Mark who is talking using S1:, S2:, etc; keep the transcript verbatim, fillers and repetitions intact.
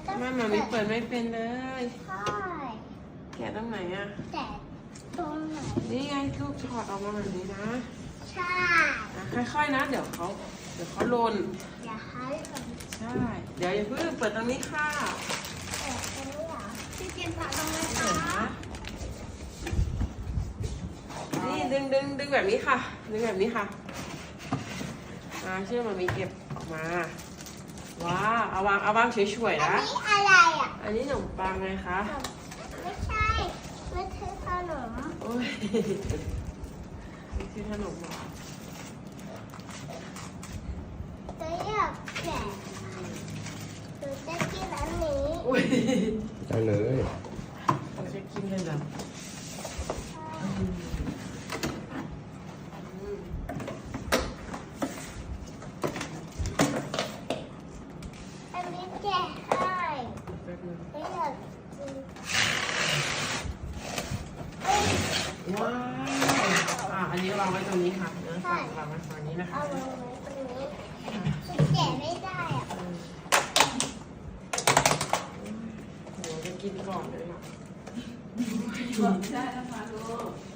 S1: แม่มามีเปิดไม่เป็นเลย
S2: ใช่
S1: แกะตรงไหนอ่ะ
S2: แต่ตรงไหน
S1: นี่ไงลูกถอดออกมาแบบนี้นะ
S2: ใช่
S1: อ่ะค่อยๆนะ เดี๋ยวเขาเดี๋ยวเขาหล่น
S2: อย่าให้แบบ
S1: ใช่ เดี๋ยวอย่าเพิ่งเปิดตรงนี้ค่ะ
S2: เปิดตรงนี้เหรอพี่เจนฝากตรงนี้
S1: เดี๋ยว
S2: ค่ะ
S1: นะนี่ดึงดึงดึงแบบนี้ค่ะ ดึงแบบนี้ค่ะอ่าเชื่อมามีเก็บออกมา ว้าวเอาวางเอาวางเฉยๆ
S2: อัน
S1: นะ
S2: นี้อะไรอ่ะ
S1: อันนี้ขนมปังไงคะ
S2: ไม่ใช่ไม่ใช่ขนม
S1: โอ้ยนี่คือขนมเหรอ
S2: ตัวอยากแกะหนูจะกินอันนี้
S1: อุ้ย
S3: ได้เลย
S1: เราจะกินเลยเหรออืมอืม
S2: อันนี้แกะให้
S1: แป๊บนึง
S2: ไม่อยากกิน
S1: ว้าวอ่ะอันนี้วางไว้ตรงนี้ค่ะเนื้อฝั่งวางไว้ฝั่งนี้นะคะ
S2: เอาไว้ตรงนี้แกะไม่ได้อ่ะ
S1: เออเดี๋ยวจะกินก่อนเลยค่ะ
S4: บอกไม่ได้นะคะลูก